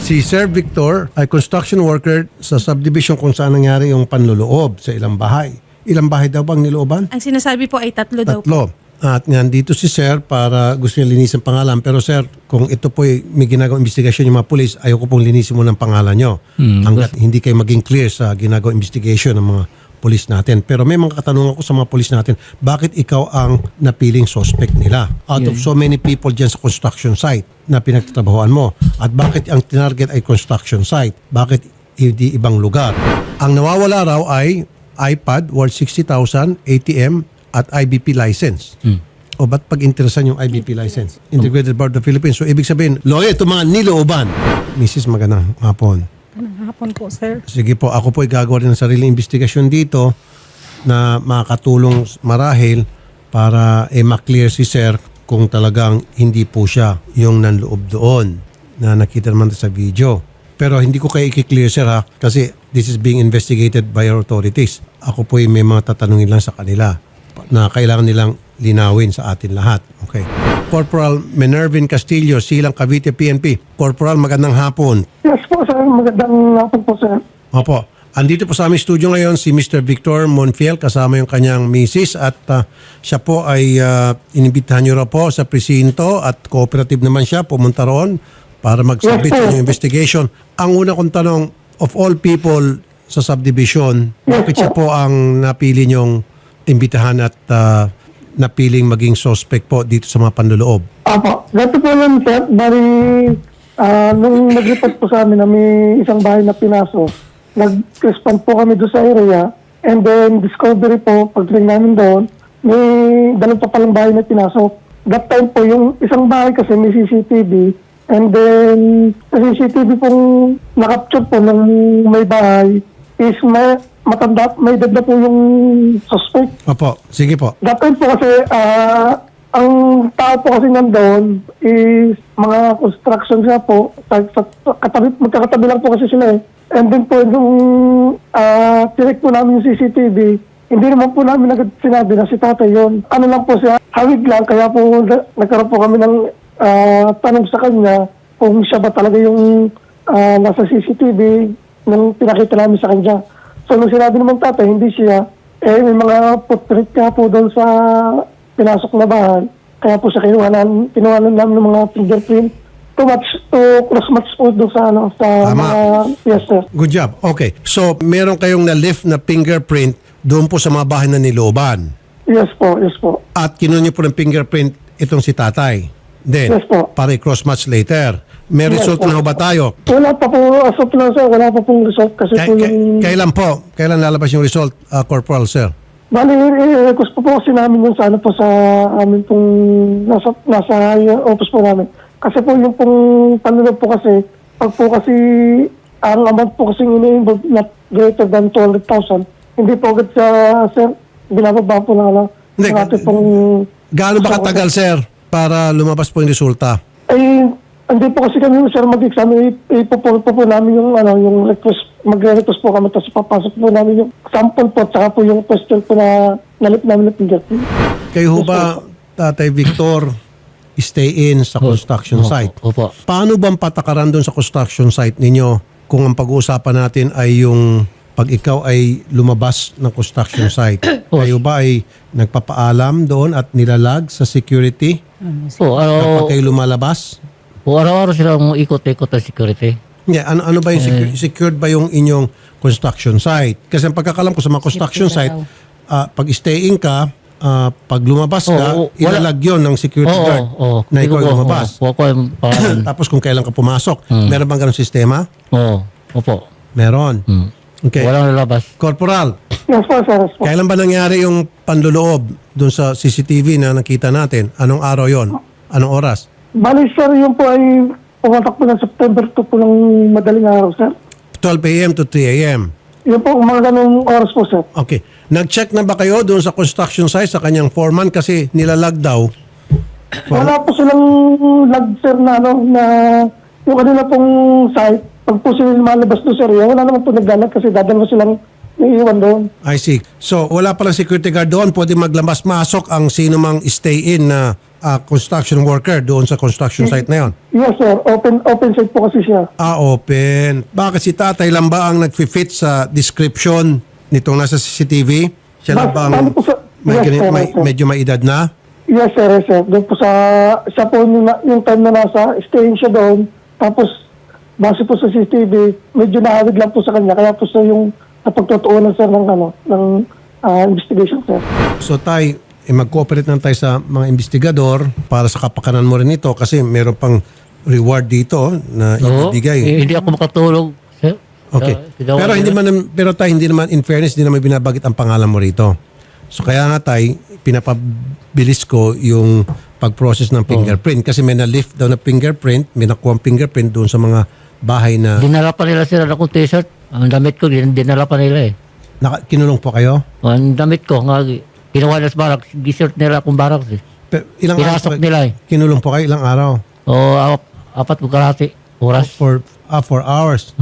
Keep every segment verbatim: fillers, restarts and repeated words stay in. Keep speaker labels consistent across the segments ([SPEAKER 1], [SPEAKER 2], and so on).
[SPEAKER 1] Si Sir Victor ay construction worker sa subdivision kung saan nangyari yung panluloob sa ilang bahay. Ilang bahay daw bang nilooban?
[SPEAKER 2] Ang sinasabi po ay tatlo daw po.
[SPEAKER 1] Tatlo. At nandito si Sir para gusto niya linisin pangalan. Pero Sir, kung ito po ay may ginagawang investigasyon yung mga pulis, ayoko pong linisin mo ng pangalan nyo.
[SPEAKER 3] Hmm,
[SPEAKER 1] Hanggat hindi kayo maging clear sa ginagawang investigation ng mga pulis natin. Pero may mga katanungan ko sa mga pulis natin, bakit ikaw ang napiling suspect nila? Out of so many people dyan sa construction site na pinagtatrabahoan mo. At bakit ang tinarget ay construction site? Bakit hindi ibang lugar? Ang nawawala raw ay iPad worth sixty thousand, A T M, at I B P license.
[SPEAKER 3] Hmm.
[SPEAKER 1] O ba't pag-interesan yung I B P license? Integrated Board of the Philippines. So ibig sabihin, lawyer, ito mga nilooban. Missus magandang hapon.
[SPEAKER 4] Magandang hapon po, sir.
[SPEAKER 1] Sige po, ako po ay gagawa rin ng sariling investigasyon dito na makakatulong marahil para eh, maklear si Sir kung talagang hindi po siya yung nanloob doon na nakita naman sa video. Pero hindi ko kayo i-clear, Sir, ha? Kasi this is being investigated by our authorities. Ako po ay may mga tatanungin lang sa kanila na kailangan nilang linawin sa atin lahat. Okay. Corporal Minervin Castillo, Silang Cavite P N P. Corporal, magandang hapon.
[SPEAKER 4] Yes po, sir. Magandang hapon po, sir.
[SPEAKER 1] Opo. Andito po sa aming studio ngayon si Mister Victor Monfiel kasama yung kanyang misis at uh, siya po ay uh, inibitahan niyo raw po sa presinto at cooperative naman siya pumunta roon para mag-submit
[SPEAKER 4] Yes, sir.
[SPEAKER 1] ng investigation. Ang una kong tanong, of all people sa subdivision, bakit siya po ang napili niyong imbitahan at uh, napiling maging suspect po dito sa mga panloloob?
[SPEAKER 4] Apo. Ganito po yun, sir. Bari, ah, nung nag-report po sa amin na may isang bahay na pinaso, nag-respond po kami doon sa area and then discovery po, pagdating namin doon, may dalawang pa palang bahay na pinasok. That time po, yung isang bahay kasi may C C T V and then sa C C T V pong nakapture po ng may bahay is may matanda, may edad na po yung suspect.
[SPEAKER 1] Opo, sige po.
[SPEAKER 4] That time po kasi, ah, ang tao po kasi nandun is mga construction siya po. Sa, sa, katabi, magkakatabi lang po kasi sila eh. And then po, nung uh, tinik po namin yung C C T V, hindi naman po namin agad sinabi na si tatay yun. Ano lang po siya, hawig lang. Kaya po na, nagkaroon po kami ng ah, tanong sa kanya kung siya ba talaga yung ah, nasa C C T V nung pinakita namin sa kanya. So, nung sinabi naman tatay, hindi siya, eh, may mga footprint ka po doon sa pinasok na bahay. Kaya po siya kinuhanan, kinuhanan namin ng mga fingerprint to match, to cross-match po doon sa, ano, sa
[SPEAKER 1] Tama.
[SPEAKER 4] mga, yes, sir.
[SPEAKER 1] Good job. Okay. So, meron kayong na-lift na fingerprint doon po sa mga bahay na nilooban.
[SPEAKER 4] Yes po, yes po.
[SPEAKER 1] At kinuha niyo po ng fingerprint itong si tatay. Then,
[SPEAKER 4] Yes po.
[SPEAKER 1] para i-cross-match later. May
[SPEAKER 4] Yes
[SPEAKER 1] result
[SPEAKER 4] po.
[SPEAKER 1] na ho ba tayo?
[SPEAKER 4] Wala pa po, as of now, sir, wala pa pong result kasi
[SPEAKER 1] Kay-
[SPEAKER 4] po
[SPEAKER 1] kay-
[SPEAKER 4] yung...
[SPEAKER 1] kailan po? Kailan lalabas yung result, uh, Corporal, sir?
[SPEAKER 4] Bali, i-request po po kasi namin yun sa ano po sa amin pong nasa, nasa office po namin. Kasi po yung pong panunod po kasi, pag po kasi ang amount po kasi ini-involve not greater than two hundred thousand, hindi po agad sa, sir, binababa po lang ano.
[SPEAKER 1] Hindi,
[SPEAKER 4] ng ating pong...
[SPEAKER 1] Gaano ba katagal, sir, para lumabas po yung resulta?
[SPEAKER 4] Eh, hindi po kasi kami, sir, mag-exam. Ipupul po po namin yung, ano, yung request, magre-request po kami, tapos papasok po namin yung sample po, tsaka po yung question po na nalip namin ng fingerprint.
[SPEAKER 1] Kayo ho ba, Tatay Victor, stay in sa construction
[SPEAKER 3] Opo,
[SPEAKER 1] site?
[SPEAKER 3] opo.
[SPEAKER 1] Paano bang patakaran doon sa construction site ninyo kung ang pag-uusapan natin ay yung pag ikaw ay lumabas ng construction site? Kayo ba ay nagpapaalam doon at nilalag sa security
[SPEAKER 3] Po, araw,
[SPEAKER 1] kapag kayo lumalabas?
[SPEAKER 3] po, araw-araw silang ikot-ikot ng security.
[SPEAKER 1] Yeah, ano ano ba yung secu- secured ba yung inyong construction site? Kasi ang pagkakalam ko sa mga construction site, ah, pag staying ka, ah, pag lumabas ka,
[SPEAKER 3] Oo, wala-
[SPEAKER 1] ilalag yun ng security
[SPEAKER 3] Oo,
[SPEAKER 1] guard
[SPEAKER 3] oo.
[SPEAKER 1] na
[SPEAKER 3] Hindi
[SPEAKER 1] ikaw
[SPEAKER 3] ko
[SPEAKER 1] ay
[SPEAKER 3] po,
[SPEAKER 1] lumabas.
[SPEAKER 3] oo, po ako yung pangalan.
[SPEAKER 1] Tapos kung kailan ka pumasok, meron bang ganong sistema?
[SPEAKER 3] Oo, opo.
[SPEAKER 1] Meron.
[SPEAKER 3] Hmm.
[SPEAKER 1] Okay.
[SPEAKER 3] Walang lalabas.
[SPEAKER 1] Corporal,
[SPEAKER 4] Yes po, sir, yes po.
[SPEAKER 1] kailan ba nangyari yung panluloob doon sa C C T V na nakita natin? Anong araw yon? Anong oras?
[SPEAKER 4] Bali, sir, yun po ay pumatak po ng September two po ng madaling araw, sir.
[SPEAKER 1] twelve a m to three a m
[SPEAKER 4] Yun po, mga ganong oras po, sir.
[SPEAKER 1] Okay. Nag-check na ba kayo doon sa construction site sa kanyang foreman kasi nilalag daw?
[SPEAKER 4] Wala po silang lag, sir, na ano, na yung kanila pong site, pag po sila malabas doon, sir, yun, wala naman po naglalag kasi dadalawa silang naiiwan doon.
[SPEAKER 1] I see. So, wala palang security guard doon. Pwede maglabas-masok ang sino mang stay-in na ah, construction worker doon sa construction site na yon?
[SPEAKER 4] Yes, sir. Open open site po kasi siya.
[SPEAKER 1] Ah, open. Bakit si tatay lang ba ang nag-fit sa description nitong nasa C C T V? Siya lang
[SPEAKER 4] Bas-
[SPEAKER 1] ba ang
[SPEAKER 4] bali po sa-
[SPEAKER 1] may,
[SPEAKER 4] yes,
[SPEAKER 1] gani-
[SPEAKER 4] sir,
[SPEAKER 1] may-
[SPEAKER 4] yes, sir.
[SPEAKER 1] medyo may edad na?
[SPEAKER 4] Yes, sir. Yes, sir. Doon po sa... Siya po yung, na- yung time na nasa staying siya doon. Tapos, base po sa C C T V, medyo nahawig lang po sa kanya. Kaya po sa yung napagtutuunan, sir, ng, ano, ng ah, investigation, sir.
[SPEAKER 1] So tay, eh, mag-cooperate lang tayo sa mga investigador para sa kapakanan mo rin ito kasi meron pang reward dito na
[SPEAKER 3] Oo,
[SPEAKER 1] ibibigay.
[SPEAKER 3] eh, hindi ako makatulog, sir.
[SPEAKER 1] Okay.
[SPEAKER 3] Sa- sa
[SPEAKER 1] Pero hindi man pero tayo hindi naman in fairness hindi naman binabagit ang pangalan mo rito. So kaya nga tay pinapabilis ko yung pag-process ng fingerprint kasi may na-lift daw na fingerprint, may nakuha fingerprint doon sa mga bahay na
[SPEAKER 3] Dinala pa nila sila ng t-shirt. Ang damit ko, din- dinala pa nila eh.
[SPEAKER 1] naka, kinulong po kayo.
[SPEAKER 3] Ang damit ko, nga, kinuha nila sa barak, t-shirt nila akong barak eh.
[SPEAKER 1] Pero ilang
[SPEAKER 3] Pinasok
[SPEAKER 1] araw,
[SPEAKER 3] nila eh.
[SPEAKER 1] kinulong po kayo ilang araw?
[SPEAKER 3] O, ap- apat ko kalahati, oras.
[SPEAKER 1] For ah, four hours.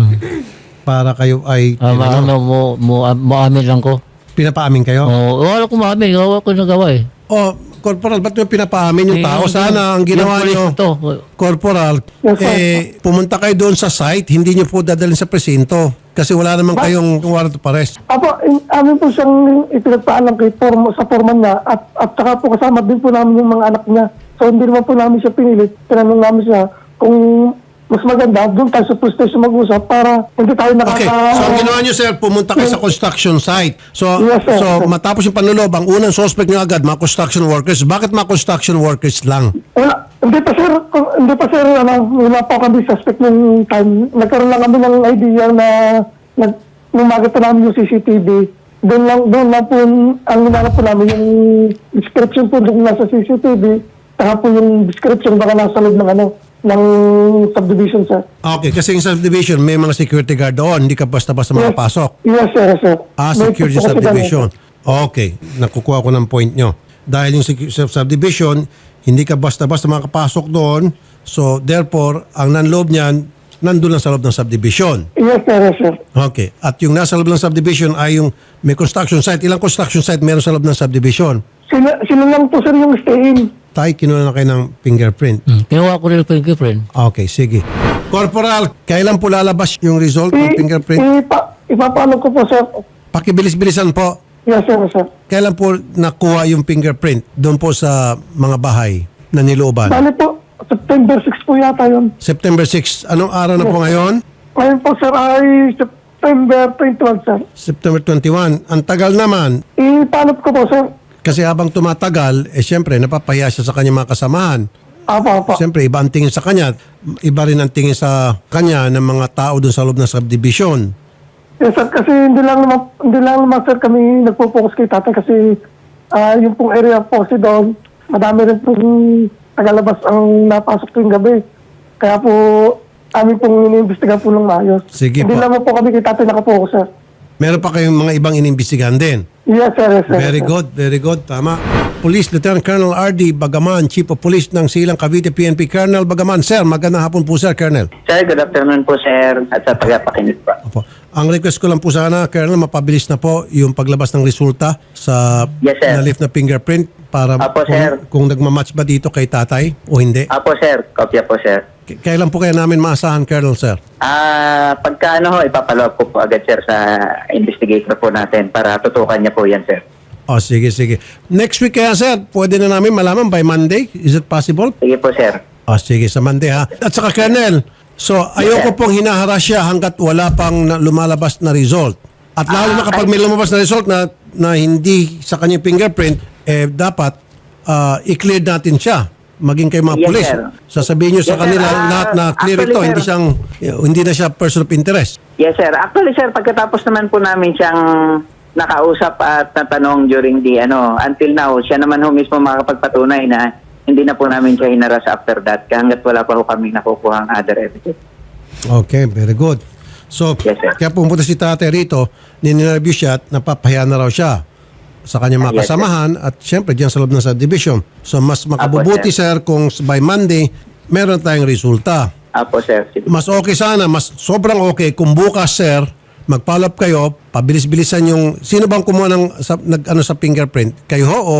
[SPEAKER 1] Para kayo ay
[SPEAKER 3] Ah, ma- ano, mo, mo, mo amin lang ko.
[SPEAKER 1] pinapaamin kayo.
[SPEAKER 3] O, wala ko maamin, gawa ko nagawa eh.
[SPEAKER 1] Oh, Corporal, ba't nyo pinapaamin yung
[SPEAKER 3] Eh,
[SPEAKER 1] tao?
[SPEAKER 3] yung-
[SPEAKER 1] Sana ang ginawa
[SPEAKER 3] yung
[SPEAKER 1] nyo,
[SPEAKER 3] police to,
[SPEAKER 1] Corporal,
[SPEAKER 4] Yes, sir.
[SPEAKER 1] eh, pumunta kayo doon sa site, hindi nyo po dadalhin sa presinto. Kasi wala naman kayong warrant of arrest.
[SPEAKER 4] Apo, in, amin po siyang ipinagpaalam kay form, sa forman niya at, at saka po kasama din po namin yung mga anak niya. So hindi naman po namin siya pinilit. Tinanong namin siya kung mas maganda, doon tayo sa police station mag-usap para hindi tayo nakaka...
[SPEAKER 1] Okay, so ang ginawa nyo, sir, pumunta kayo sa construction site. So,
[SPEAKER 4] Yes, sir.
[SPEAKER 1] so matapos yung panlulob, ang unang suspect nyo agad, mga construction workers. Bakit mga construction workers lang?
[SPEAKER 4] Wala, hindi pa sir, kung- hindi pa sir, ano, wala pa kami suspect ng time. Nagkaroon lang kami ng idea na nag, nung makita namin yung C C T V, doon lang, doon lang po, ang hinanap po namin yung description po doon nasa C C T V, saka po yung description baka nasa loob ng ano, ng subdivision sir.
[SPEAKER 1] Okay, kasi yung subdivision, may mga security guard doon. Hindi ka basta-basta makapasok.
[SPEAKER 4] Yes sir, yes, sir.
[SPEAKER 1] Ah,
[SPEAKER 4] May
[SPEAKER 1] security
[SPEAKER 4] po kasi
[SPEAKER 1] subdivision. Okay, nakukuha ko ng point nyo. Dahil yung secu- sub- subdivision, hindi ka basta-basta makapasok doon. So, therefore, ang nanloob niyan, nandun lang sa loob ng subdivision.
[SPEAKER 4] kami. Yes sir, yes sir.
[SPEAKER 1] Okay. At yung nasa loob ng subdivision ay yung may construction site. Ilang construction site meron sa loob ng subdivision?
[SPEAKER 4] Sila, sila lang po sir yung stay-in.
[SPEAKER 1] Tay, kinuha na kayo ng fingerprint.
[SPEAKER 3] Hmm. Kinuha ko rin yung fingerprint.
[SPEAKER 1] Okay, sige. Corporal, kailan po lalabas yung result ng
[SPEAKER 4] I-
[SPEAKER 1] fingerprint?
[SPEAKER 4] Ipa, ipapaalam ko po sir.
[SPEAKER 1] Pakibilis-bilisan po.
[SPEAKER 4] Yes sir, yes sir.
[SPEAKER 1] Kailan po nakuha yung fingerprint doon po sa mga bahay na nilooban?
[SPEAKER 4] Bali po, September sixth po yata yun.
[SPEAKER 1] September sixth. Anong araw na po ngayon?
[SPEAKER 4] Ngayon po sir ay September twenty-one sir.
[SPEAKER 1] September twenty-one. Ang tagal naman.
[SPEAKER 4] Ipalot ko po sir.
[SPEAKER 1] Kasi habang tumatagal, eh siyempre, napapahiya siya sa kanyang mga kasamahan.
[SPEAKER 4] Apo, apo.
[SPEAKER 1] Siyempre, iba ang tingin sa kanya. Iba rin ang tingin sa kanya ng mga tao doon sa loob ng subdivision.
[SPEAKER 4] Yes sir, kasi hindi lang naman, hindi lang naman sir kami nagpo-focus kay tatay kasi ah, yung pong area po kasi doon, madami rin pong tagalabas ang napasok tuwing gabi. Kaya po, amin pong iniimbestiga po ng maayos.
[SPEAKER 1] Sige
[SPEAKER 4] hindi
[SPEAKER 1] po.
[SPEAKER 4] lang po kami kay tatay nakapokus sir.
[SPEAKER 1] Meron pa kayong mga ibang inimbestigahan din.
[SPEAKER 4] Yes sir, yes sir.
[SPEAKER 1] Very
[SPEAKER 4] yes, sir.
[SPEAKER 1] good, very good. Tama. Police Lieutenant Colonel R D Bagaman, Chief of Police ng Silang Cavite P N P. Colonel Bagaman, sir, magandang hapon po, sir, Colonel.
[SPEAKER 2] Sir, good afternoon po, sir, at sa pagpapakinig po.
[SPEAKER 1] Opo. Ang request ko lang po sana, Colonel, mapabilis na po yung paglabas ng resulta sa
[SPEAKER 2] Yes, sir.
[SPEAKER 1] na-lift na fingerprint para
[SPEAKER 2] Apo,
[SPEAKER 1] kung,
[SPEAKER 2] sir.
[SPEAKER 1] kung nagmamatch ba dito kay tatay o hindi.
[SPEAKER 2] Apo, sir. Kopya po, sir.
[SPEAKER 1] K- Kailan po kaya namin maasahan, Colonel, sir?
[SPEAKER 2] Ah, pagka ano ho, ipapalawag ko po agad, sir, sa investigator po natin para tutukan niya po yan, sir.
[SPEAKER 1] O, sige, sige. Next week kaya, sir, pwede na namin malaman by Monday? Is it possible?
[SPEAKER 2] Sige po, sir.
[SPEAKER 1] O, sige, sa Monday, ha? At saka, Colonel, so, ayoko pong hinaharas siya hanggat wala pang na- lumalabas na result. At lalo na kapag may lumabas na result na, na hindi sa kanyang fingerprint, eh, dapat ah, i-clear natin siya. Maging kayo mga
[SPEAKER 2] Yes,
[SPEAKER 1] pulis.
[SPEAKER 2] sir.
[SPEAKER 1] Sasabihin nyo sa
[SPEAKER 2] Yes, sir.
[SPEAKER 1] kanila
[SPEAKER 2] Ah,
[SPEAKER 1] lahat na clear
[SPEAKER 2] actually,
[SPEAKER 1] ito,
[SPEAKER 2] sir.
[SPEAKER 1] hindi siyang, hindi na siya person of interest.
[SPEAKER 2] Yes, sir. Actually, sir, pagkatapos naman po namin siyang nakausap at natanong during the, ano, until now, siya naman ho mismo makapagpatunay na hindi na po namin siya hinaras after that hanggat wala pa ho kami nakukuha ang other evidence.
[SPEAKER 1] Okay, very good. So,
[SPEAKER 2] Yes, sir.
[SPEAKER 1] kaya pumunta si tatay rito, ninireview siya at napapahiya na raw siya sa kanyang mga
[SPEAKER 2] Yes, sir.
[SPEAKER 1] kasamahan at syempre diyan sa loob ng subdivision. So, mas makabubuti,
[SPEAKER 2] sir.
[SPEAKER 1] sir, kung by Monday, meron tayong resulta.
[SPEAKER 2] Apo, sir. Sige.
[SPEAKER 1] Mas okay sana, mas sobrang okay kung bukas, sir, mag-follow up kayo, pabilis-bilisan yung, sino bang kumuha ng, sa, nag, ano, sa fingerprint? Kayo ho o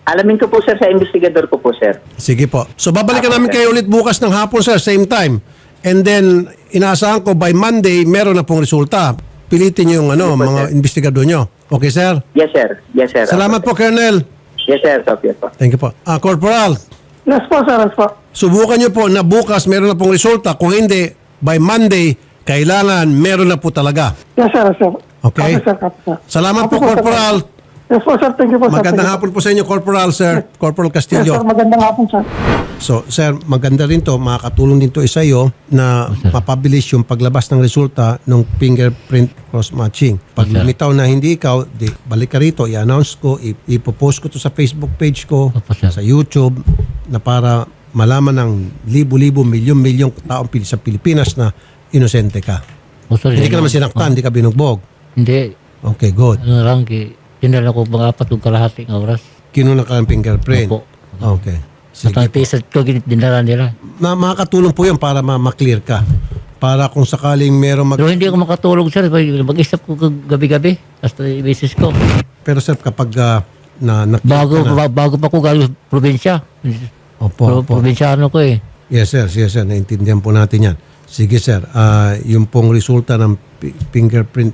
[SPEAKER 2] Alamin ko po, sir, sa investigador ko po, sir.
[SPEAKER 1] Sige po. So babalikan
[SPEAKER 2] Apo,
[SPEAKER 1] namin
[SPEAKER 2] sir.
[SPEAKER 1] kayo ulit bukas ng hapon, sir, same time. And then, inaasahan ko by Monday, meron na pong resulta. Pilitin niyo yung ano,
[SPEAKER 2] Opo,
[SPEAKER 1] mga
[SPEAKER 2] sir.
[SPEAKER 1] investigador nyo. Okay, sir?
[SPEAKER 2] Yes, sir. Yes, sir.
[SPEAKER 1] Salamat po, Colonel.
[SPEAKER 2] Yes, sir. Yes, po.
[SPEAKER 1] Thank you po. Ah, Corporal,
[SPEAKER 4] Yes po, sir. Yes po.
[SPEAKER 1] subukan niyo po na bukas meron na pong resulta. Kung hindi, by Monday, kailangan meron na po talaga.
[SPEAKER 4] Yes, sir. Yes, sir.
[SPEAKER 1] Okay.
[SPEAKER 4] Copy, sir. Copy, sir.
[SPEAKER 1] Salamat
[SPEAKER 4] Copy
[SPEAKER 1] po,
[SPEAKER 4] sir.
[SPEAKER 1] Corporal.
[SPEAKER 4] Yes po, sir. Thank you po, sir.
[SPEAKER 1] Magandang
[SPEAKER 4] Thank you
[SPEAKER 1] hapon po sa inyo, Corporal, sir. Corporal
[SPEAKER 4] po. Yes,
[SPEAKER 1] Castillo.
[SPEAKER 4] sir. Magandang hapon, sir.
[SPEAKER 1] So, sir, maganda rin to, makakatulong din to isa iyo na mapabilis yung paglabas ng resulta ng fingerprint cross-matching. Pag
[SPEAKER 3] Sir.
[SPEAKER 1] lumitaw na hindi ikaw, di, balik ka rito, i-announce ko, i- ipopost ko to sa Facebook page ko,
[SPEAKER 3] Opo, sir.
[SPEAKER 1] sa YouTube, na para malaman ng libo-libo, milyon-milyong taong pil- sa Pilipinas na inosente ka.
[SPEAKER 3] O, sir,
[SPEAKER 1] Hindi ka
[SPEAKER 3] yun
[SPEAKER 1] naman
[SPEAKER 3] ang-
[SPEAKER 1] sinaktan, hindi ka binugbog.
[SPEAKER 3] Hindi.
[SPEAKER 1] Okay, good.
[SPEAKER 3] Ano lang, ki- tinala ko mga apat o kalahating oras.
[SPEAKER 1] Kinuha ka ng fingerprint.
[SPEAKER 3] Opo.
[SPEAKER 1] Okay.
[SPEAKER 3] Sa
[SPEAKER 1] Sige.
[SPEAKER 3] pisat ko, dinala nila.
[SPEAKER 1] Ma makakatulong po yun para ma- ma-clear ka. Para kung sakaling meron mag...
[SPEAKER 3] Pero hindi ako makatulog, sir. Mag-isap ko kag- gabi-gabi. Hasta i-basis ko.
[SPEAKER 1] Pero sir, kapag ah, na, na
[SPEAKER 3] Bago,
[SPEAKER 1] ka na,
[SPEAKER 3] ba- bago pa ko galing sa probinsya.
[SPEAKER 1] Opo,
[SPEAKER 3] Pro,
[SPEAKER 1] opo.
[SPEAKER 3] probinsyano ko eh.
[SPEAKER 1] Yes sir, yes sir, naintindihan po natin yan. Sige sir, ah, yung pong resulta ng pi- fingerprint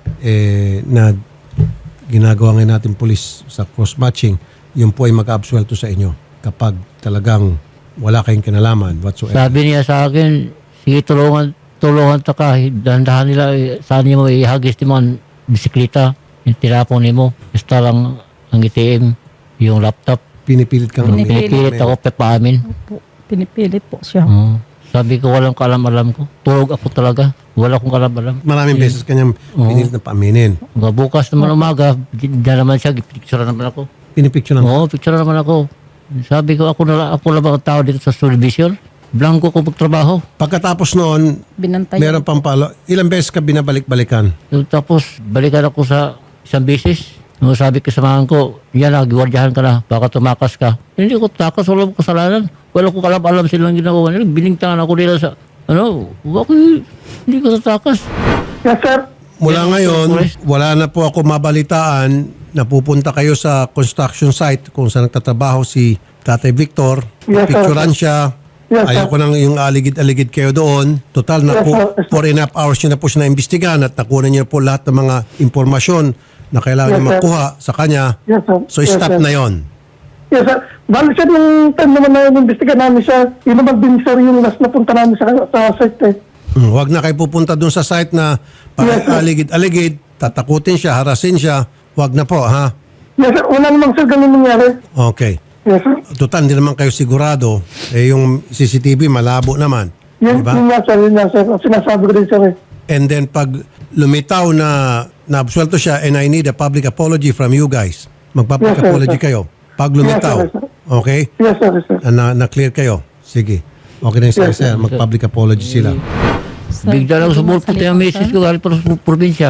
[SPEAKER 1] eh, na ginagawa ngayon natin police sa cross-matching, yun po ay mag-absuelto sa inyo kapag talagang wala kayong kinalaman whatsoever.
[SPEAKER 3] Sabi niya sa akin, sige tulungan, tulungan ta ka. Dahan-dahan nila, eh, saan niyo mo ihagis ni mo ang bisikleta. Yung tinapon ni mo. Basta lang ang I T M, yung laptop.
[SPEAKER 1] Pinipilit kang
[SPEAKER 5] Pinipilit.
[SPEAKER 3] Pinipilit ako pepaamin.
[SPEAKER 5] Po, pinipilit po siya.
[SPEAKER 3] Oo. Sabi ko walang kaalam-alam ko. Tulog ako talaga. Wala akong kaalam-alam.
[SPEAKER 1] Maraming beses kanyang pinilit na paaminin.
[SPEAKER 3] Hanggang bukas naman umaga, di di naman siya, picture naman ako.
[SPEAKER 1] Pinipicture ng...
[SPEAKER 3] Oo, picture naman ako. Sabi ko, ako na ako lang ang tao dito sa television. Blanco ko magtrabaho.
[SPEAKER 1] Pagkatapos noon,
[SPEAKER 5] Binantay.
[SPEAKER 1] meron pang palo. Ilang beses ka binabalik-balikan?
[SPEAKER 3] Tapos, balikan ako sa isang beses. Nung sabi ko sa mga ko, yan na, giwardyahan ka na, baka tumakas ka. Hindi ko takas, wala ko kasalanan. Wala ko kalam-alam silang ginagawa nila. Biningtangan ako nila sa, ano, bakit hindi ko tatakas.
[SPEAKER 4] Yes, sir.
[SPEAKER 1] Mula
[SPEAKER 3] Yes,
[SPEAKER 1] ngayon,
[SPEAKER 3] Forrest.
[SPEAKER 1] wala na po ako mabalitaan na pupunta kayo sa construction site kung saan nagtatrabaho si Tatay Victor.
[SPEAKER 4] Yes, sir.
[SPEAKER 1] Picturean siya.
[SPEAKER 4] Yes, sir.
[SPEAKER 1] Ayaw ko nang yung aligid-aligid kayo doon. Total na
[SPEAKER 4] Yes,
[SPEAKER 1] po,
[SPEAKER 4] sir. Yes, sir.
[SPEAKER 1] four and a half hours nyo na po siya na-imbestigahan at nakuha niyo po lahat ng mga impormasyon na kailangan
[SPEAKER 4] Yes,
[SPEAKER 1] niyo
[SPEAKER 4] sir.
[SPEAKER 1] makuha sa kanya.
[SPEAKER 4] Yes, sir.
[SPEAKER 1] So
[SPEAKER 4] Yes,
[SPEAKER 1] stop
[SPEAKER 4] sir.
[SPEAKER 1] na yon.
[SPEAKER 4] Yes, sir. Bali, sir, yung time naman na inimbestigan namin siya, yun naman din, sir, yung last na punta namin sa, sa site, eh.
[SPEAKER 1] Hmm, huwag na kayo pupunta doon sa site na para
[SPEAKER 4] Yes, sir.
[SPEAKER 1] aligid-aligid, tatakutin siya, harasin siya. Huwag na po, ha?
[SPEAKER 4] Yes, sir. Wala namang, sir, ganun nangyari.
[SPEAKER 1] Okay.
[SPEAKER 4] Yes, sir.
[SPEAKER 1] Total, hindi naman kayo sigurado. Eh, yung C C T V, malabo naman.
[SPEAKER 4] Yun,
[SPEAKER 1] Diba?
[SPEAKER 4] yun nga, sir. Yun nga, sir. Ang sinasabi ko din, sir, eh.
[SPEAKER 1] And then, pag lumitaw na naabsuelto siya and I need a public apology from you guys, magpa-public
[SPEAKER 4] Yes, sir,
[SPEAKER 1] apology
[SPEAKER 4] sir.
[SPEAKER 1] kayo. Pag lumitaw,
[SPEAKER 4] Yes, sir, yes,
[SPEAKER 1] okay?
[SPEAKER 4] Yes, sir. Yes, sir.
[SPEAKER 1] Na, na-clear kayo. Sige. Okay na yun, sir,
[SPEAKER 4] Yes,
[SPEAKER 1] sir. Mag-public apology sila.
[SPEAKER 5] Sir,
[SPEAKER 3] Bigla lang
[SPEAKER 5] hindi
[SPEAKER 3] sumulpot
[SPEAKER 5] masalita,
[SPEAKER 3] yung message
[SPEAKER 5] sir.
[SPEAKER 3] ko galing pa sa probinsya.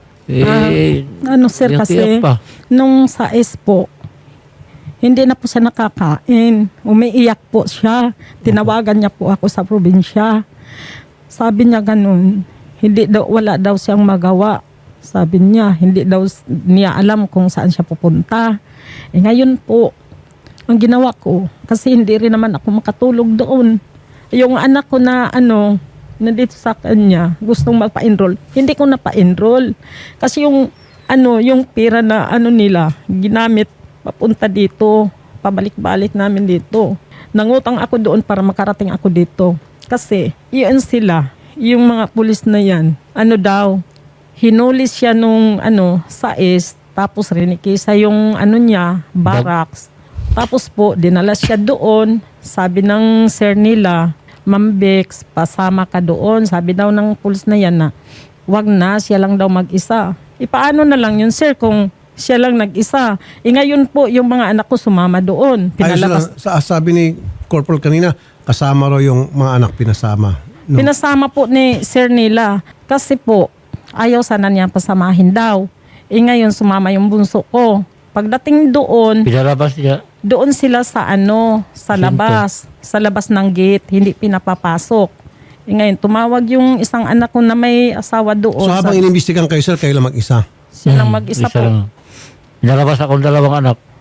[SPEAKER 3] Eh,
[SPEAKER 5] Ano sir,
[SPEAKER 3] Yung
[SPEAKER 5] kasi
[SPEAKER 3] tiyak pa.
[SPEAKER 5] nung sa S po, hindi na po siya nakakain. Umiiyak po siya. Tinawagan niya po ako sa probinsya. Sabi niya ganun, hindi daw, wala daw siyang magawa. Sabi niya, hindi daw s- niya alam kung saan siya pupunta. Eh ngayon po, ang ginawa ko, kasi hindi rin naman ako makatulog doon. Yung anak ko na ano, nandito sa kanya, gustong magpa-enroll. Hindi ko na pa-enroll. Kasi yung ano, yung pera na ano nila, ginamit papunta dito, pabalik-balik namin dito. Nangutang ako doon para makarating ako dito. Kasi, yun sila, yung mga pulis na yan, ano daw, hinulis siya nung ano, sa S, tapos rinikisa yung ano niya, barracks. Tapos po, dinala siya doon, sabi ng sir nila, Ma'am Bex, pasama ka doon. Sabi daw ng pulis na yan na, wag na, siya lang daw mag-isa. E paano na lang yun, sir, kung siya lang nag-isa? E ngayon po, yung mga anak ko sumama doon.
[SPEAKER 1] Ayos lang,
[SPEAKER 5] Pinalabas.
[SPEAKER 1] sa, sabi ni Corporal kanina, kasama raw yung mga anak pinasama. No?
[SPEAKER 5] Pinasama po ni sir nila. Kasi po, ayaw sana niya pasamahin daw. E ngayon, sumama yung bunso ko. Pagdating doon,
[SPEAKER 3] pinalabas niya.
[SPEAKER 5] doon sila sa ano, sa
[SPEAKER 3] Siyempre.
[SPEAKER 5] labas, sa labas ng gate, hindi pinapapasok. E ngayon, tumawag yung isang anak ko na may asawa doon.
[SPEAKER 1] So habang
[SPEAKER 5] Sabi,
[SPEAKER 1] inimbestigan kayo, sir, kayo lang mag-isa.
[SPEAKER 5] siya lang
[SPEAKER 3] Hmm,
[SPEAKER 5] mag-isa
[SPEAKER 3] isa
[SPEAKER 5] po.
[SPEAKER 3] lang. Pinalabas ako ng dalawang anak.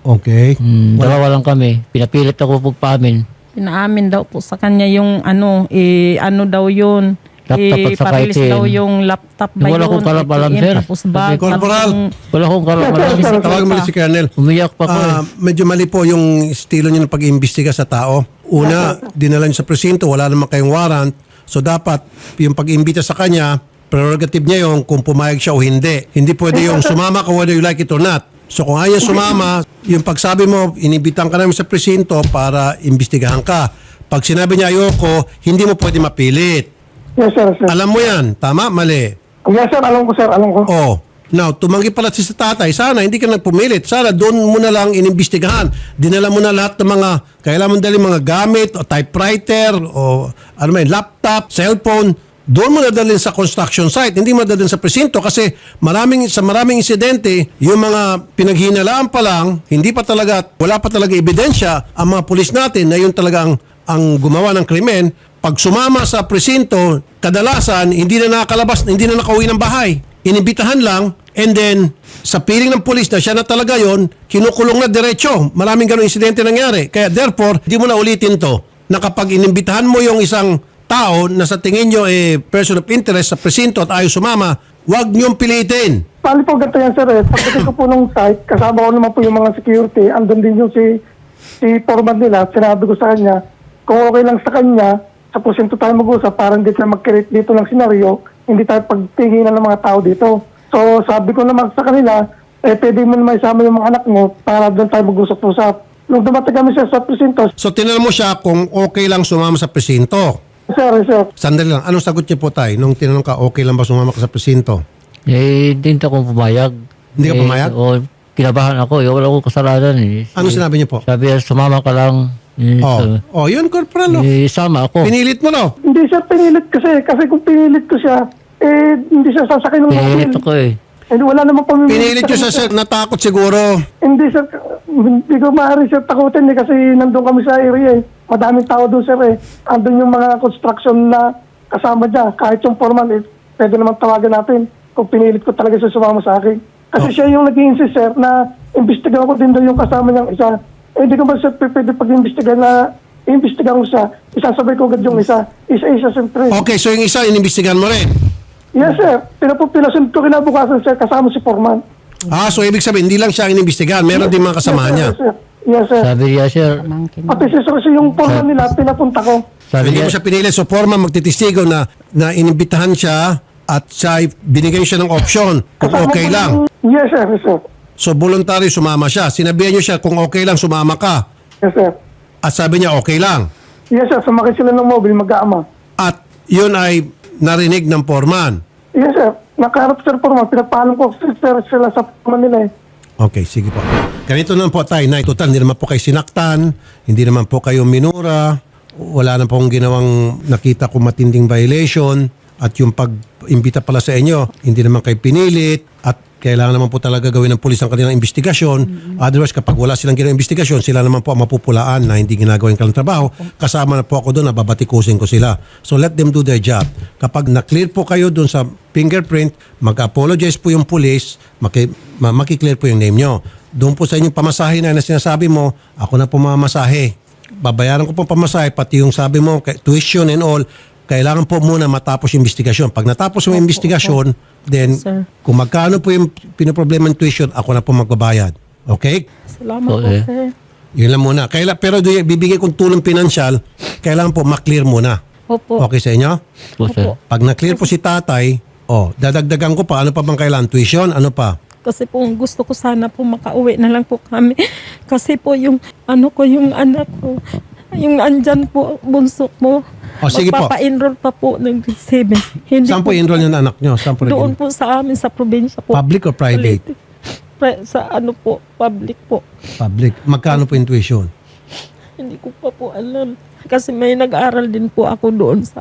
[SPEAKER 1] Okay.
[SPEAKER 3] Hmm, dalawa lang kami. Pinapilit ako pagpamin.
[SPEAKER 5] Pinaamin daw po sa kanya yung ano, eh, ano daw yun.
[SPEAKER 3] Laptop at
[SPEAKER 5] eh,
[SPEAKER 3] saka
[SPEAKER 5] parilis
[SPEAKER 3] A T M.
[SPEAKER 5] daw yung laptop ba
[SPEAKER 3] Wala
[SPEAKER 5] yun?
[SPEAKER 3] akong kalam-alam,
[SPEAKER 5] A T M,
[SPEAKER 3] sir.
[SPEAKER 5] Tapos bag.
[SPEAKER 1] Corporal.
[SPEAKER 5] tapos yung-
[SPEAKER 3] Wala akong kalam-alam.
[SPEAKER 1] Tawagan mo na si Colonel.
[SPEAKER 3] Umiyak pa ko eh.
[SPEAKER 1] Ah, medyo mali po yung estilo niyo ng pag-iimbestiga sa tao. Una, dinala niyo sa presinto, wala naman kayong warrant. So dapat yung pag-imbita sa kanya, prerogative niya yung kung pumayag siya o hindi. Hindi pwede yung sumama ka whether you like it or not. So kung ayaw sumama, yung pagsabi mo, inibitan ka namin sa presinto para imbestigahan ka. Pag sinabi niya ayoko, hindi mo pwede mapilit.
[SPEAKER 4] Yes, sir, sir.
[SPEAKER 1] Alam mo yan, tama, mali.
[SPEAKER 4] Yes, sir, alam ko, sir, alam ko.
[SPEAKER 1] Oh, now, tumanggi pala si sa tatay. Sana hindi ka nagpumilit. Sana doon mo na lang inimbestigahan. Dinala mo na lahat ng mga, kailangan mo dali mga gamit, o typewriter, o ano man, laptop, cellphone. Doon mo na dalhin sa construction site. Hindi mo dalhin sa presinto kasi maraming, sa maraming insidente, yung mga pinaghinalaan pa lang, hindi pa talaga, wala pa talaga ebidensya ang mga pulis natin na yun talagang ang gumawa ng krimen. Pag sumama sa presinto, kadalasan hindi na nakakalabas, hindi na nakauwi ng bahay. Inibitahan lang, and then sa piling ng pulis na siya na talaga yon, kinukulong na diretso. Maraming ganong insidente nangyari. Kaya therefore, hindi mo na ulitin to na kapag inimbitahan mo yung isang tao na sa tingin nyo eh, person of interest sa presinto at ayaw sumama, huwag niyong pilitin.
[SPEAKER 4] Bali po, ganito yan, sir. Eh. Pagdating ko po ng site, kasama ko naman po yung mga security. Andun din yung si, si foreman nila. Sinabi ko sa kanya, kung okay lang sa kanya, sa presinto tayo mag-usap, parang hindi tayo mag-create dito ng senaryo, hindi tayo pagtinginan ng mga tao dito. So, sabi ko naman sa kanila, eh, pwede mo naman isama yung mga anak mo para doon tayo mag-usap-usap. Nung dumating kami siya sa presinto,
[SPEAKER 1] So tinanong mo siya kung okay lang sumama sa presinto.
[SPEAKER 4] sir, sir,
[SPEAKER 1] Sandali lang, anong sagot niyo po tayo nung tinanong ka okay lang ba sumama ka sa presinto?
[SPEAKER 3] Eh, hindi ako pumayag.
[SPEAKER 1] Hindi ka
[SPEAKER 3] eh,
[SPEAKER 1] pumayag?
[SPEAKER 3] O, kinabahan ako. Eh, wala akong kasalanan eh.
[SPEAKER 1] Ano sinabi niyo po?
[SPEAKER 3] Sabi niya, sumama ka lang. Eh,
[SPEAKER 1] Oh,
[SPEAKER 3] sabi-
[SPEAKER 1] oh yun, corporal. Oh.
[SPEAKER 3] eh, sama ako.
[SPEAKER 1] Pinilit mo, no?
[SPEAKER 4] hindi siya pinilit kasi. Kasi kung pinilit ko siya, eh, hindi siya sasakay ng
[SPEAKER 3] Pinilit
[SPEAKER 4] mobil.
[SPEAKER 3] ako eh.
[SPEAKER 4] Eh, wala namang pamimilit.
[SPEAKER 1] Pinilit nyo siya, sir. Natakot siguro.
[SPEAKER 4] Hindi, sir. Hindi ko maaari, sir, takutin eh, kasi nandun kami sa area eh. Madaming tao doon, sir eh. Andun yung mga construction na kasama niya. Kahit yung foreman, eh, pwede naman tawagan natin kung pinilit ko talaga siya sumama sa akin. Kasi
[SPEAKER 1] Oh.
[SPEAKER 4] siya yung nag-i-insist, sir, na imbestigahan ko din daw yung kasama niyang isa. Eh, hindi ko ba, sir, pwede pag-imbestigahan na imbestigahan ko siya. Isasabay ko agad yung isa. Isa-isa, siyempre.
[SPEAKER 1] Okay, so yung isa, inimbestigahan mo rin.
[SPEAKER 4] Yes, sir. Pinapupilasin ko kinabukasan, sir, kasama si foreman.
[SPEAKER 1] Ah, so ibig sabihin, hindi lang siya ang inimbestigahan. Meron din mga kasama
[SPEAKER 4] Yes,
[SPEAKER 1] niya.
[SPEAKER 4] sir. Yes, sir.
[SPEAKER 3] Sabi niya, sir.
[SPEAKER 4] Pati si sir, sir, yung foreman nila, pinapunta ko.
[SPEAKER 3] Sabi
[SPEAKER 1] Hindi
[SPEAKER 3] niya,
[SPEAKER 1] mo siya pinili. So, forma magtitistigo na, na inimbitahan siya at siya, binigyan siya ng option kung
[SPEAKER 4] Kasama
[SPEAKER 1] okay
[SPEAKER 4] ko
[SPEAKER 1] lang.
[SPEAKER 4] yung- Yes, sir. Yes, sir.
[SPEAKER 1] So, voluntary sumama siya. Sinabihan niyo siya kung okay lang, sumama ka.
[SPEAKER 4] Yes, sir.
[SPEAKER 1] At sabi niya, okay lang.
[SPEAKER 4] Yes, sir. Sumakay sila ng mobile, mag-aama.
[SPEAKER 1] At yun ay narinig ng foreman.
[SPEAKER 4] Yes, sir. Nakaharap, sir, foreman. Pinapaalam ko, sir, sir, sila sa foreman nila eh.
[SPEAKER 1] Okay, sige po. Ganito naman po tayo, Nay. Total, hindi naman po kayo sinaktan, hindi naman po kayo minura, wala na pong ginawang nakita kong matinding violation, at yung pag-imbita pala sa inyo, hindi naman kayo pinilit, at kailangan naman po talaga gawin ng pulis ang kanilang investigasyon. Otherwise, kapag wala silang ginawang investigasyon, sila naman po ang mapupulaan na hindi ginagawa yung kanilang trabaho. Kasama na po ako doon na babatikusin ko sila. So let them do their job. Kapag na-clear po kayo doon sa fingerprint, mag-apologize po yung pulis, maki, ma- makiklear po yung name nyo. Doon po sa inyong pamasahe na, na sinasabi mo, ako na po mamasahe. Babayaran ko po pamasahe, pati yung sabi mo, kay- tuition and all, kailangan po muna matapos yung investigasyon. Pag natapos yung investigasyon, then
[SPEAKER 5] Sir.
[SPEAKER 1] kung magkano po yung pinoproblema ng tuition, ako na po magbabayad. Okay?
[SPEAKER 5] Salamat po,
[SPEAKER 3] Okay.
[SPEAKER 5] sir.
[SPEAKER 1] Yun lang muna. Kaila, pero do, bibigay kong tulong pinansyal, kailangan po maklear muna.
[SPEAKER 5] Opo.
[SPEAKER 1] Okay sa inyo?
[SPEAKER 3] po, sir.
[SPEAKER 1] Pag na-clear po si tatay, oh, dadagdagan ko pa. Ano pa bang kailangan? Tuition? Ano pa?
[SPEAKER 5] Kasi po gusto ko sana po makauwi na lang po kami. Kasi po yung ano ko, yung anak ko, yung andyan po, bunso mo.
[SPEAKER 1] O, sige po.
[SPEAKER 5] Magpapa-enroll pa po ng grade seven. Hindi
[SPEAKER 1] Saan po enroll yung anak nyo? Saan po
[SPEAKER 5] Doon
[SPEAKER 1] nag-
[SPEAKER 5] po sa amin, sa probinsya po.
[SPEAKER 1] Public or private?
[SPEAKER 5] Pri- Sa ano po, public po.
[SPEAKER 1] Public. Magkano po yung tuition?
[SPEAKER 5] Hindi ko pa po alam. Kasi may nag-aral din po ako doon sa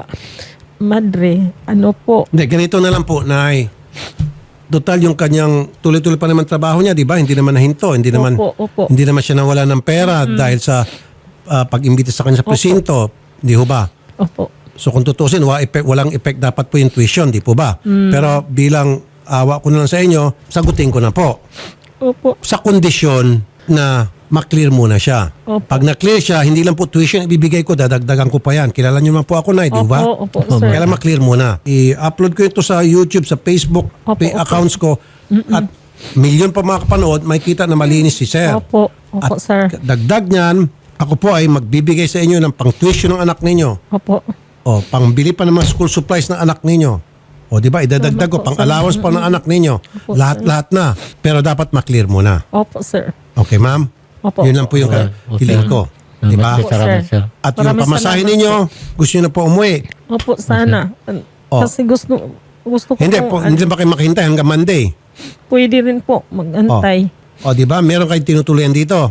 [SPEAKER 5] Madre. Ano po.
[SPEAKER 1] Hindi, ganito na lang po, Nay. Total yung kanyang tuloy-tuloy pa naman trabaho niya, di ba? Hindi naman nahinto. Hindi naman,
[SPEAKER 5] Opo, opo.
[SPEAKER 1] hindi naman siya nawala ng pera dahil sa ah, pag-imbita sa kanya sa presinto. Di ho ba?
[SPEAKER 5] Opo.
[SPEAKER 1] So kung tutusin, wa effect, walang effect dapat po yung tuition, di po ba? Pero bilang awa ko na lang sa inyo, sagutin ko na po.
[SPEAKER 5] Opo.
[SPEAKER 1] Sa kondisyon na maklear muna siya.
[SPEAKER 5] Opo.
[SPEAKER 1] Pag na-clear siya, hindi lang po tuition ibibigay ko, dadagdagan ko pa yan. Kilala niyo naman po ako, Nay, di ba?
[SPEAKER 5] Opo, opo, sir.
[SPEAKER 1] Kailan maklear muna. I-upload ko ito sa YouTube, sa Facebook,
[SPEAKER 5] Opo,
[SPEAKER 1] pay
[SPEAKER 5] opo.
[SPEAKER 1] accounts ko. At milyon pa mga kapanood, makikita na malinis si Sir.
[SPEAKER 5] Opo, opo,
[SPEAKER 1] At
[SPEAKER 5] sir.
[SPEAKER 1] dagdag niyan, ako po ay magbibigay sa inyo ng pang-tuition ng anak ninyo.
[SPEAKER 5] Opo.
[SPEAKER 1] O, pangbili pa ng mga school supplies ng anak ninyo. O, di ba? Idadagdag ko, pang-allowance pa ng anak ninyo. Lahat-lahat na. Pero dapat maklear muna.
[SPEAKER 5] Opo, sir.
[SPEAKER 1] Okay, ma'am?
[SPEAKER 5] Opo.
[SPEAKER 1] Yun lang po yung
[SPEAKER 3] Okay, okay.
[SPEAKER 1] hiling ko. Di ba?
[SPEAKER 3] Salamat, salamat,
[SPEAKER 5] Sir.
[SPEAKER 3] sir.
[SPEAKER 1] At yung
[SPEAKER 5] Maraming
[SPEAKER 1] pamasahe
[SPEAKER 5] salamat
[SPEAKER 1] ninyo, gusto nyo na po umuwi.
[SPEAKER 5] Opo, sana.
[SPEAKER 1] Oh.
[SPEAKER 5] Kasi gusto gusto ko
[SPEAKER 1] Hindi
[SPEAKER 5] po,
[SPEAKER 1] po, hindi ba kayo makahintay hanggang Monday?
[SPEAKER 5] pwede rin po mag-antay.
[SPEAKER 1] O, di ba? Meron kayong tinutuloyan dito.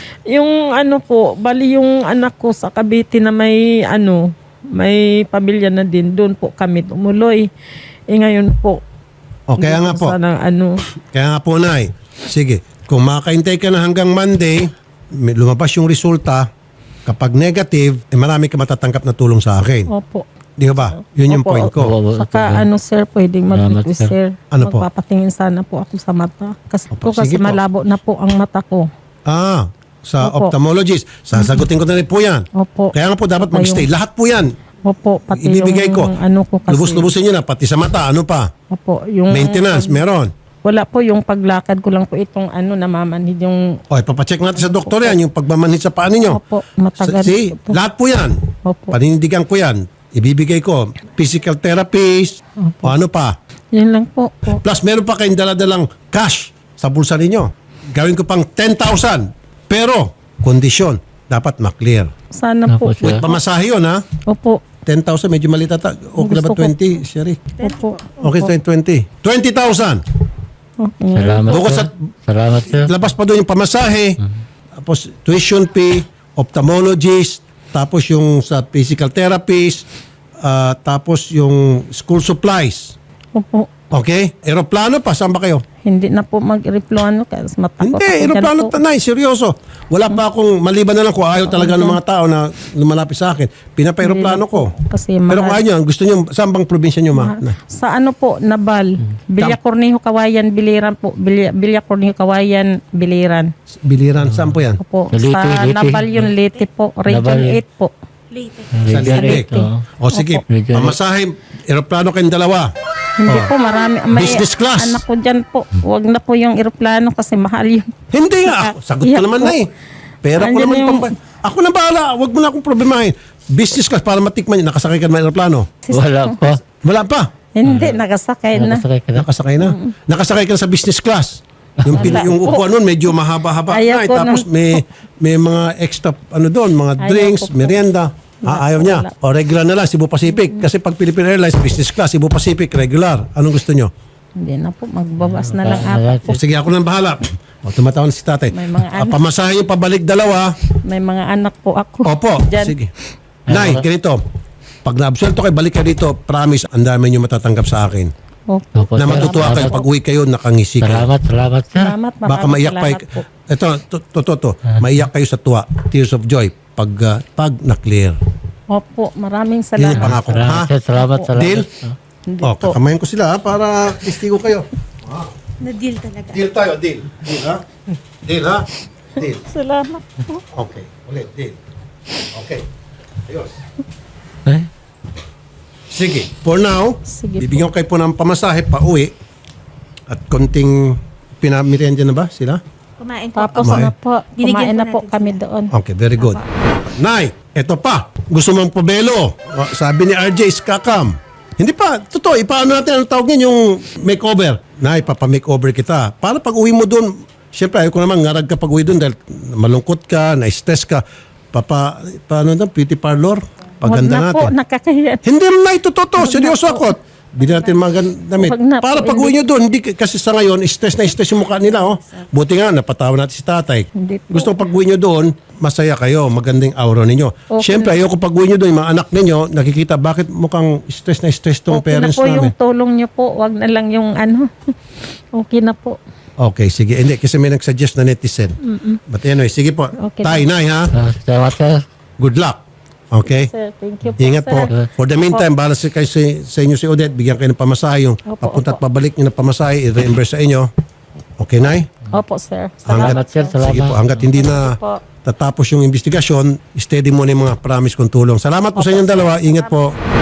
[SPEAKER 5] Yung ano po, bali yung anak ko sa Cavite na may ano, may pamilya na din, doon po kami tumuloy. Eh ngayon po,
[SPEAKER 1] O, kaya
[SPEAKER 5] hindi
[SPEAKER 1] nga po.
[SPEAKER 5] Sana ano,
[SPEAKER 1] Kaya nga po, Nay. Sige, kung makahintay ka na hanggang Monday, may- lumabas yung resulta, kapag negative, eh marami ka matatanggap na tulong sa akin.
[SPEAKER 5] opo.
[SPEAKER 1] Di ba? Yun yung
[SPEAKER 5] Opo,
[SPEAKER 1] point ko.
[SPEAKER 3] opo.
[SPEAKER 5] Saka ano sir, pwedeng mag-request sir.
[SPEAKER 1] Ano po?
[SPEAKER 5] Magpapatingin sana po ako sa mata. Kasi
[SPEAKER 1] Opo,
[SPEAKER 5] po kasi
[SPEAKER 1] sige po.
[SPEAKER 5] malabo na po ang mata ko.
[SPEAKER 1] Ah, sa
[SPEAKER 5] Opo.
[SPEAKER 1] ophthalmologist. Sasagutin ko na rin po yan.
[SPEAKER 5] Opo.
[SPEAKER 1] Kaya nga po dapat
[SPEAKER 5] Saka
[SPEAKER 1] mag-stay.
[SPEAKER 5] yung-
[SPEAKER 1] Lahat po yan.
[SPEAKER 5] Opo, pati
[SPEAKER 1] Ibibigay
[SPEAKER 5] yung
[SPEAKER 1] ko.
[SPEAKER 5] ano ko kasi.
[SPEAKER 1] Lubos-lubusin nyo na, pati sa mata. Ano pa?
[SPEAKER 5] Opo, yung
[SPEAKER 1] Maintenance, meron.
[SPEAKER 5] wala po yung paglakad ko lang po itong ano namamanhid yung
[SPEAKER 1] O, ipapacheck natin sa doktor yan, yung pagmamanhid sa paa ninyo.
[SPEAKER 5] Opo, matagal
[SPEAKER 1] See,
[SPEAKER 5] po to.
[SPEAKER 1] lahat po yan.
[SPEAKER 5] Opo.
[SPEAKER 1] Paninindigan ko yan. Ibibigay ko. Physical therapist, o ano pa.
[SPEAKER 5] Yun lang po. po.
[SPEAKER 1] Plus, meron pa kayong daladalang cash sa bulsa ninyo. Gawin ko pang ten thousand. Pero, kondisyon, dapat maklear.
[SPEAKER 5] Sana po.
[SPEAKER 3] Opo, sir.
[SPEAKER 1] With pamasahe yun, ha?
[SPEAKER 5] Opo.
[SPEAKER 1] ten thousand, medyo maliit ata. Okay na ba
[SPEAKER 5] Gusto ko-
[SPEAKER 1] twenty, Sherry?
[SPEAKER 5] Opo.
[SPEAKER 1] Okay, sa twenty. twenty thousand.
[SPEAKER 5] Okay.
[SPEAKER 3] Salamat,
[SPEAKER 1] Bukod
[SPEAKER 3] sir.
[SPEAKER 1] sa-
[SPEAKER 3] Salamat, sir.
[SPEAKER 1] Labas pa doon yung pamasahe, tapos tuition fee, ophthalmologist, tapos yung sa physical therapist, ah, tapos yung school supplies.
[SPEAKER 5] Opo.
[SPEAKER 1] Okay? Aeroplano pa, saan ba kayo?
[SPEAKER 5] Hindi na po mag-replano kasi matakot
[SPEAKER 1] Hindi,
[SPEAKER 5] ako
[SPEAKER 1] aeroplano
[SPEAKER 5] dyan po.
[SPEAKER 1] tanay, seryoso. Wala pa akong, maliban na lang kung ayaw talaga ng mga tao na lumalapit sa akin. Pinapa-aeroplano ko.
[SPEAKER 5] Kasi
[SPEAKER 1] Pero kung
[SPEAKER 5] mahal.
[SPEAKER 1] ayaw nyo, gusto nyo, saan bang probinsya nyo, ma? Na?
[SPEAKER 5] Sa ano po, Nabal. Bilya Cornejo, Kawayan, Biliran po. Bilya, Bilya Cornejo, Kawayan, Biliran.
[SPEAKER 1] Biliran, saan po yan?
[SPEAKER 5] Opo.
[SPEAKER 3] Sa Leyte,
[SPEAKER 5] sa
[SPEAKER 3] Leyte.
[SPEAKER 5] Nabal yun, Leyte po. Region
[SPEAKER 3] Nabal.
[SPEAKER 5] eight po.
[SPEAKER 1] Sa
[SPEAKER 3] Region
[SPEAKER 1] Leyte.
[SPEAKER 3] eight, oh.
[SPEAKER 1] O sige,
[SPEAKER 3] Region eight.
[SPEAKER 1] pamasahe, aeroplano kayong dalawa.
[SPEAKER 5] Hindi po, marami. May
[SPEAKER 1] Business class.
[SPEAKER 5] anak ko dyan po. Huwag na po yung eroplano kasi mahal yun.
[SPEAKER 1] Hindi nga. Ako, sagot ko
[SPEAKER 5] Iyak
[SPEAKER 1] naman
[SPEAKER 5] po.
[SPEAKER 1] na eh. Pera ko
[SPEAKER 5] Andyan
[SPEAKER 1] naman.
[SPEAKER 5] yung-
[SPEAKER 1] Pampa- ako na bahala. Huwag mo na akong problemahin. Business class para matikman yun. Nakasakay ka na ng aeroplano.
[SPEAKER 3] Wala pa.
[SPEAKER 1] Wala pa.
[SPEAKER 5] Hindi, nagasakay na.
[SPEAKER 3] Nakasakay ka na.
[SPEAKER 1] Nakasakay na. Nakasakay ka na sa business class. Yung, pin- yung upuan nun medyo mahaba-haba
[SPEAKER 5] Ayaw
[SPEAKER 1] na. eh.
[SPEAKER 5] ko
[SPEAKER 1] Tapos
[SPEAKER 5] ng-
[SPEAKER 1] may, may mga extra ano doon, mga
[SPEAKER 5] Ayaw
[SPEAKER 1] drinks,
[SPEAKER 5] ko po.
[SPEAKER 1] merienda. Ah, ayaw niya. O regular na lang, Cebu Pacific. Kasi pag Philippine Airlines, business class, Cebu Pacific, regular. Anong gusto nyo?
[SPEAKER 5] Hindi na po, magbawas na lang
[SPEAKER 3] Ah,
[SPEAKER 5] ako po.
[SPEAKER 1] O, sige, ako nang bahala. O, tumatawan si tatay.
[SPEAKER 5] May mga
[SPEAKER 1] Ah,
[SPEAKER 5] anak.
[SPEAKER 1] pamasahe yung pabalik dalawa.
[SPEAKER 5] May mga anak po ako.
[SPEAKER 1] Opo,
[SPEAKER 5] Dyan.
[SPEAKER 1] sige. Nay, ganito. Pag na-absuelto kayo, balik kayo dito, promise, ang dami nyo matatanggap sa akin.
[SPEAKER 5] Opo.
[SPEAKER 3] Opo,
[SPEAKER 1] Na
[SPEAKER 3] sir.
[SPEAKER 1] matutuwa kayo,
[SPEAKER 3] Salamat.
[SPEAKER 1] pag uwi kayo, nakangisi kayo.
[SPEAKER 3] Salamat, salamat, sir.
[SPEAKER 5] Salamat,
[SPEAKER 1] Baka
[SPEAKER 5] maraming
[SPEAKER 1] maiyak pa.
[SPEAKER 5] salamat po.
[SPEAKER 1] Ito, to, to, to, to. Maiyak kayo sa tuwa. Tears of joy. Pag, ah, pag na-clear.
[SPEAKER 5] Opo, maraming
[SPEAKER 1] Yun yung
[SPEAKER 5] salamat.
[SPEAKER 1] pangako. Ha?
[SPEAKER 3] Salamat, sir. Salamat,
[SPEAKER 5] Opo.
[SPEAKER 3] salamat.
[SPEAKER 1] Deal?
[SPEAKER 5] Hindi
[SPEAKER 1] O,
[SPEAKER 5] po.
[SPEAKER 1] kakamayan ko sila ha, para istigo kayo.
[SPEAKER 6] Na-deal talaga.
[SPEAKER 1] Deal tayo, deal. Deal ha? Deal ha? Deal.
[SPEAKER 5] Salamat po.
[SPEAKER 1] Okay, ulit, deal. Okay. Ayos.
[SPEAKER 3] Eh?
[SPEAKER 1] Sige, for now,
[SPEAKER 5] Sige
[SPEAKER 1] bibigyan ko kayo po ng pamasahe pa uwi at konting pinamirienda na ba sila?
[SPEAKER 6] Kumain po.
[SPEAKER 5] Tapos
[SPEAKER 1] Kumain.
[SPEAKER 5] na po,
[SPEAKER 6] Binigyan
[SPEAKER 5] kumain
[SPEAKER 6] po
[SPEAKER 5] na po
[SPEAKER 6] natin
[SPEAKER 5] kami
[SPEAKER 6] sila.
[SPEAKER 5] doon.
[SPEAKER 1] Okay, very good. Nay, eto pa. Gusto mong pabelo. O, sabi ni R J, skakam. Hindi pa, totoo, ipaano natin ang tawag niyan, yung makeover. Nay, papa-makeover kita. Para pag uwi mo doon, syempre, ayaw ko naman, ngarag ka pag uwi doon dahil malungkot ka, na-stress ka. Papa, paano na, beauty parlor? Paganda
[SPEAKER 5] Huwag na po,
[SPEAKER 1] natin.
[SPEAKER 5] nakakahiya.
[SPEAKER 1] Hindi na ito totoo. Seryoso ako. Bili natin mga gan- damit.
[SPEAKER 5] Wag na po,
[SPEAKER 1] Para pag uwi nyo doon, hindi, kasi sa ngayon, stress na stress yung mukha nila. Oh. Buti nga, napatawa natin si tatay.
[SPEAKER 5] Hindi po.
[SPEAKER 1] Gusto ko pag uwi nyo doon, masaya kayo, magandang aura ninyo.
[SPEAKER 5] Okay.
[SPEAKER 1] Siyempre, ayoko pag uwi nyo doon, yung mga anak ninyo, nakikita bakit mukhang stress na stress tong
[SPEAKER 5] Okay na
[SPEAKER 1] parents
[SPEAKER 5] po
[SPEAKER 1] namin.
[SPEAKER 5] yung tulong niyo po. Wag na lang yung ano. Okay na po.
[SPEAKER 1] Okay, sige. Hindi, kasi may nagsuggest na netizen. But anyway, sige po.
[SPEAKER 5] Okay.
[SPEAKER 1] Tay, nay ha.
[SPEAKER 3] Ah, Salamat, sir.
[SPEAKER 1] Good luck. Okay?
[SPEAKER 5] Sir, thank you po,
[SPEAKER 1] Ingat
[SPEAKER 5] sir.
[SPEAKER 1] po. For the meantime, bahala si kayo sa, sa inyo si Odette, bigyan kayo ng pamasahe. Yung
[SPEAKER 5] Opo,
[SPEAKER 1] papunta at
[SPEAKER 5] opo.
[SPEAKER 1] pabalik nyo ng pamasahe, i-reimburse sa inyo. Okay, Nay?
[SPEAKER 5] Opo, sir.
[SPEAKER 3] Salamat, sir. Salamat.
[SPEAKER 1] Sige po, hanggat hindi na
[SPEAKER 5] po.
[SPEAKER 1] tatapos yung investigasyon, steady mo na yung mga promise kong tulong. Salamat po sa inyong dalawa. Ingat po.